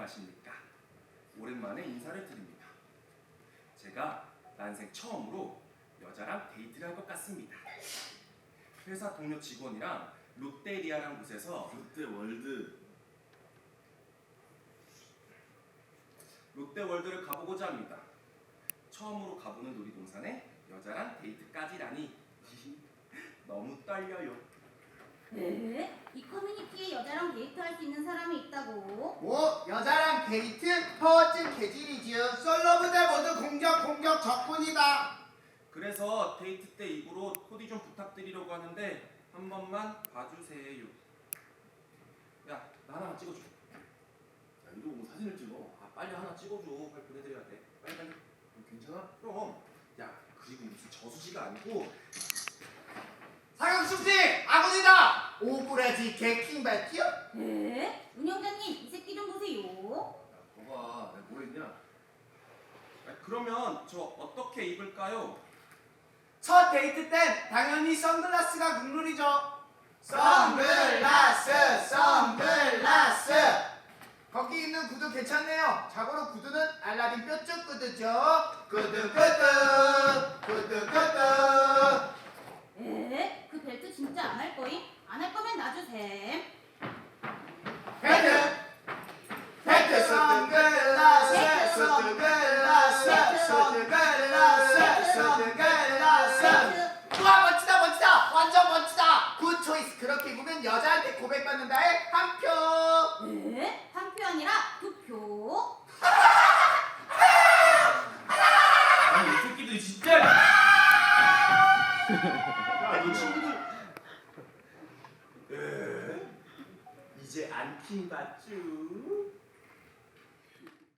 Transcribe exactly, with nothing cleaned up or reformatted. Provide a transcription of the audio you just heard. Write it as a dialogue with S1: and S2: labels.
S1: 안녕하십니까. 오랜만에 인사를 드립니다. 제가 난생 처음으로 여자랑 데이트를 할 것 같습니다. 회사 동료 직원이랑 롯데리아라는 곳에서
S2: 롯데월드.
S1: 롯데월드를 가보고자 합니다. 처음으로 가보는 놀이동산에 여자랑 데이트까지라니 너무 떨려요.
S3: 네? 이 커뮤니티에 여자랑 데이트할 수 있는 사람이 있다고?
S4: 뭐 여자랑 데이트? 허언증 개질이지요. 솔로분들 모두 공격 공격 적군이다.
S1: 그래서 데이트 때 입으로 코디 좀 부탁드리려고 하는데 한 번만 봐주세요. 야, 나 하나만 찍어줘.
S2: 야, 이러고 뭐 사진을 찍어?
S1: 아, 빨리 하나 찍어줘. 빨리 보내드려야 돼. 빨리 빨리.
S2: 괜찮아?
S1: 그럼. 야, 그리고 무슨 저수지가 아니고
S4: 사각숙지 아군이다. 오브라지 개킹발티요?
S3: 네? 운영자님 이 새끼 좀 보세요.
S2: 야, 봐봐. 내가 뭐 했냐?
S1: 아, 그러면 저 어떻게 입을까요?
S4: 첫 데이트 땐 당연히 선글라스가 국룰이죠. 선글라스 선글라스. 거기 있는 구두 괜찮네요. 자고로 구두는 알라딘 뾰족 구두죠. 구두 구두 구두 구두.
S3: 에? 그 벨트 진짜 안 할 거임? 안 할 거면 놔주셈.
S4: 벨트 벨트 선글라스 선글라스 선글라스 선글라스. 우와 멋지다 멋지다 완전 멋지다. 굿 초이스. 그렇게 입으면 여자한테 고백받는다의 한 표.
S3: 에? 한 표 아니라 두 표?
S2: 아니, 이 새끼들 진짜! 야, 너 친구들.
S1: 에? 이제 안 킹받쥬?